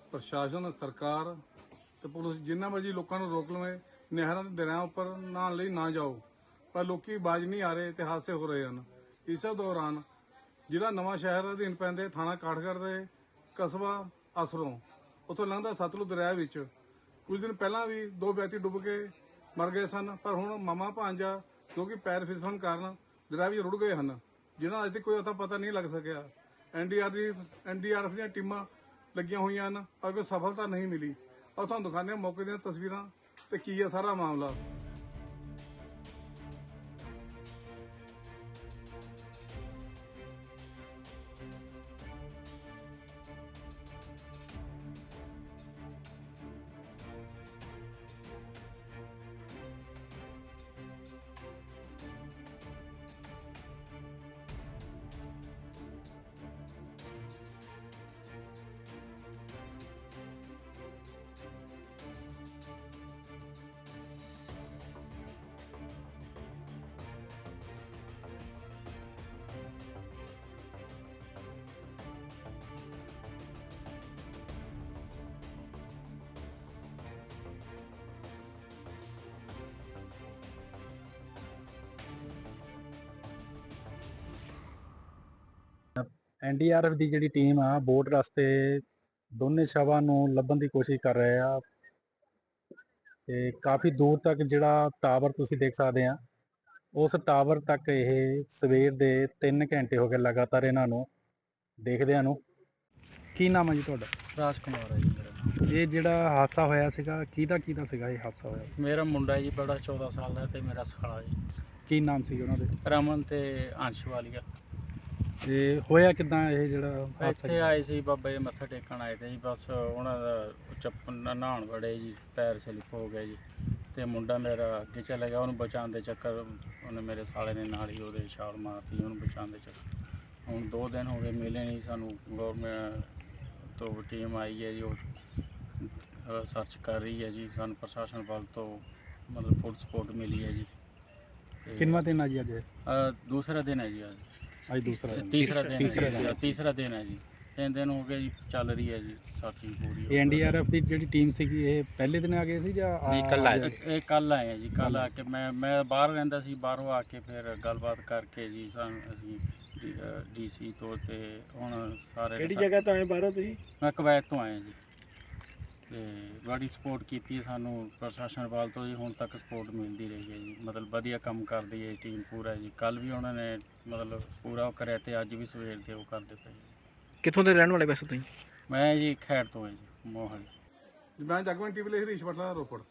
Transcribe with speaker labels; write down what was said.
Speaker 1: ਪ੍ਰਸ਼ਾਸਨ ਸਰਕਾਰ ਤੇ ਪੁਲਿਸ ਜਿੰਨਾ ਮਰਜੀ ਲੋਕਾਂ ਨੂੰ ਰੋਕ ਲਵੇ, ਨਹਿਰਾਂ ਤੇ ਦਰਿਆਵਾਂ ਉੱਪਰ ਨਹਾਉਣ ਲਈ ਨਾ ਜਾਓ, ਪਰ ਲੋਕੀ ਬਾਜ ਨਹੀਂ ਆ ਰਹੇ ਤੇ ਹਾਦਸੇ ਹੋ ਰਹੇ ਹਨ। ਇਸੇ ਦੌਰਾਨ ਜਿਹੜਾ ਨਵਾਂ ਸ਼ਹਿਰ ਅਧੀਨ ਪੈਂਦੇ ਥਾਣਾ ਕਾਠਗੜ੍ਹ ਦੇ ਕਸਬਾ ਅਸਰੋਂ ਉੱਥੋਂ ਲੰਘਦਾ ਸਤਲੁਜ ਦਰਿਆ ਵਿੱਚ ਕੁਝ ਦਿਨ ਪਹਿਲਾਂ ਵੀ 2 ਵਿਅਕਤੀ ਡੁੱਬ ਕੇ ਮਰ ਗਏ ਸਨ, ਪਰ ਹੁਣ ਮਾਮਾ ਭਾਂਜਾ ਜੋ ਕਿ ਪੈਰ ਫਿਸਲਣ ਕਾਰਨ ਦਰਿਆ ਵਿੱਚ ਰੁੜ ਗਏ ਹਨ, ਜਿਹਨਾਂ ਅਜੇ ਤੱਕ ਕੋਈ ਅਤਾ ਪਤਾ ਨਹੀਂ ਲੱਗ ਸਕਿਆ। ਐਨਡੀਆਰਐਫ ਦੀਆਂ ਟੀਮਾਂ ਲੱਗੀਆਂ ਹੋਈਆਂ ਹਨ, ਪਰ ਕੋਈ ਸਫਲਤਾ ਨਹੀਂ ਮਿਲੀ। ਔਰ ਤੁਹਾਨੂੰ ਦਿਖਾਉਂਦੇ ਹਾਂ ਮੌਕੇ ਦੀਆਂ ਤਸਵੀਰਾਂ ਤੇ ਕੀ ਹੈ ਸਾਰਾ ਮਾਮਲਾ।
Speaker 2: ਐਨਡੀਆਰਐਫ ਦੀ ਜਿਹੜੀ ਟੀਮ ਆ ਬੋਟ ਰਸਤੇ ਦੋਨੇ ਸ਼ਵਾਂ ਨੂੰ ਲੱਭਣ ਦੀ ਕੋਸ਼ਿਸ਼ ਕਰ ਰਹੇ ਆ ਤੇ ਕਾਫੀ ਦੂਰ ਤੱਕ ਜਿਹੜਾ ਟਾਵਰ ਤੁਸੀਂ ਦੇਖ ਸਕਦੇ ਆ, ਉਸ ਟਾਵਰ ਤੱਕ ਇਹ ਸਵੇਰ ਦੇ 3 ਘੰਟੇ ਹੋ ਗਏ ਲਗਾਤਾਰ ਇਹਨਾਂ ਨੂੰ ਦੇਖਦਿਆਂ ਨੂੰ। ਕੀ ਨਾਮ ਹੈ ਜੀ ਤੁਹਾਡਾ?
Speaker 3: ਰਾਜ ਕੁਮਾਰ ਹੈ ਜੀ ਮੇਰਾ ਨਾਮ।
Speaker 2: ਇਹ ਜਿਹੜਾ ਹਾਦਸਾ ਹੋਇਆ ਸੀਗਾ ਕਿਹਦਾ ਸੀਗਾ ਇਹ ਹਾਦਸਾ ਹੋਇਆ?
Speaker 3: ਮੇਰਾ ਮੁੰਡਾ ਜੀ ਬੜਾ 14 ਸਾਲ ਦਾ ਤੇ ਮੇਰਾ ਸਾਲਾ ਜੀ।
Speaker 2: ਕੀ ਨਾਮ ਸੀ ਉਹਨਾਂ ਦੇ?
Speaker 3: ਰਮਨ ਤੇ ਅੰਸ਼ ਵਾਲੀਆ।
Speaker 2: ਤੇ ਹੋਇਆ ਕਿੱਦਾਂ ਇਹ ਜਿਹੜਾ ਹਾਦਸਾ?
Speaker 3: ਇੱਥੇ ਆਏ ਸੀ ਬਾਬਾ ਜੀ ਮੱਥਾ ਟੇਕਣ ਆਏ ਤੇ ਜੀ, ਬਸ ਉਹਨਾਂ ਦਾ ਚੱਪਲ ਨਹਾਉਣ ਵੜੇ ਜੀ, ਪੈਰ ਸਲਿਪ ਹੋ ਗਿਆ ਜੀ ਤੇ ਮੁੰਡਾ ਮੇਰਾ ਅੱਗੇ ਚਲਾ ਗਿਆ। ਉਹਨੂੰ ਬਚਾਉਣ ਦੇ ਚੱਕਰ ਉਹਨੇ ਮੇਰੇ ਸਾਲੇ ਨੇ ਨਾਲ ਹੀ ਉਹਦੇ ਛਾਲ ਮਾਰਤੀ ਉਹਨੂੰ ਬਚਾਉਣ ਦੇ ਚੱਕਰ। ਹੁਣ 2 ਦਿਨ ਹੋ ਗਏ ਮਿਲੇ ਨਹੀਂ ਸਾਨੂੰ। ਗੌਰਮੈਂਟ ਤੋਂ ਟੀਮ ਆਈ ਹੈ ਜੀ, ਉਹ ਸਰਚ ਕਰ ਰਹੀ ਹੈ ਜੀ। ਸਾਨੂੰ ਪ੍ਰਸ਼ਾਸਨ ਵੱਲ ਤੋਂ ਮਤਲਬ ਫੁੱਲ ਸਪੋਰਟ ਮਿਲੀ ਹੈ ਜੀ।
Speaker 2: ਕਿੰਨਾ ਦਿਨ ਆ ਜੀ ਅੱਜ?
Speaker 3: ਦੂਸਰਾ ਦਿਨ ਹੈ ਜੀ
Speaker 2: ਅੱਜ ਦੂਸਰਾ
Speaker 3: ਤੀਸਰਾ ਦਿਨ ਹੈ ਜੀ। 3 ਦਿਨ ਹੋ ਗਏ ਜੀ, ਚੱਲ ਰਹੀ ਹੈ ਜੀ ਸਰਚਿੰਗ ਪੂਰੀ।
Speaker 2: ਇਹ ਐਨਡੀਆਰਐਫ ਦੀ ਜਿਹੜੀ ਟੀਮ ਸੀਗੀ ਇਹ ਪਹਿਲੇ ਦਿਨ ਆ ਗਏ ਸੀ ਜਾਂ
Speaker 3: ਇਹ ਕੱਲ ਆਏ ਆ ਜੀ। ਕੱਲ ਆ ਕੇ ਮੈਂ ਬਾਹਰ ਰਹਿੰਦਾ ਸੀ, ਬਾਹਰੋਂ ਆ ਕੇ ਫਿਰ ਗੱਲਬਾਤ ਕਰਕੇ ਜੀ ਅਸੀਂ ਡੀਸੀ ਤੋਂ ਤੇ ਹੁਣ ਸਾਰੇ।
Speaker 2: ਕਿਹੜੀ ਜਗ੍ਹਾ ਤੋਂ ਆਏ ਬਾਹਰੋਂ ਤੁਸੀਂ?
Speaker 3: ਮੈਂ ਕੁਵੈਤ ਤੋਂ ਆਇਆ ਜੀ ਤੇ ਬੜੀ ਸਪੋਰਟ ਕੀਤੀ ਸਾਨੂੰ ਪ੍ਰਸ਼ਾਸਨ ਵੱਲ ਤੋਂ ਜੀ। ਹੁਣ ਤੱਕ ਸਪੋਰਟ ਮਿਲਦੀ ਰਹੀ ਹੈ ਜੀ, ਮਤਲਬ ਵਧੀਆ ਕੰਮ ਕਰਦੀ ਹੈ ਟੀਮ ਪੂਰਾ ਜੀ। ਕੱਲ ਵੀ ਉਹਨਾਂ ਨੇ ਮਤਲਬ ਪੂਰਾ ਉਹ ਕਰਿਆ ਤੇ ਅੱਜ ਵੀ ਸਵੇਰ ਦੇ ਉਹ ਕਰਦੇ ਪਏ।
Speaker 2: ਕਿੱਥੋਂ ਦੇ ਰਹਿਣ ਵਾਲੇ ਵੈਸੇ ਤੁਸੀਂ?
Speaker 3: ਮੈਂ ਜੀ ਖੈੜ ਤੋਂ ਹਾਂ ਜੀ, ਮੋਹਾਲੀ।
Speaker 1: ਮੈਂ ਜਗਮਨ ਟੀਵੀ ਲਈ ਹਰੀਸ਼ ਬਟਲਾ, ਰੋਪੜ।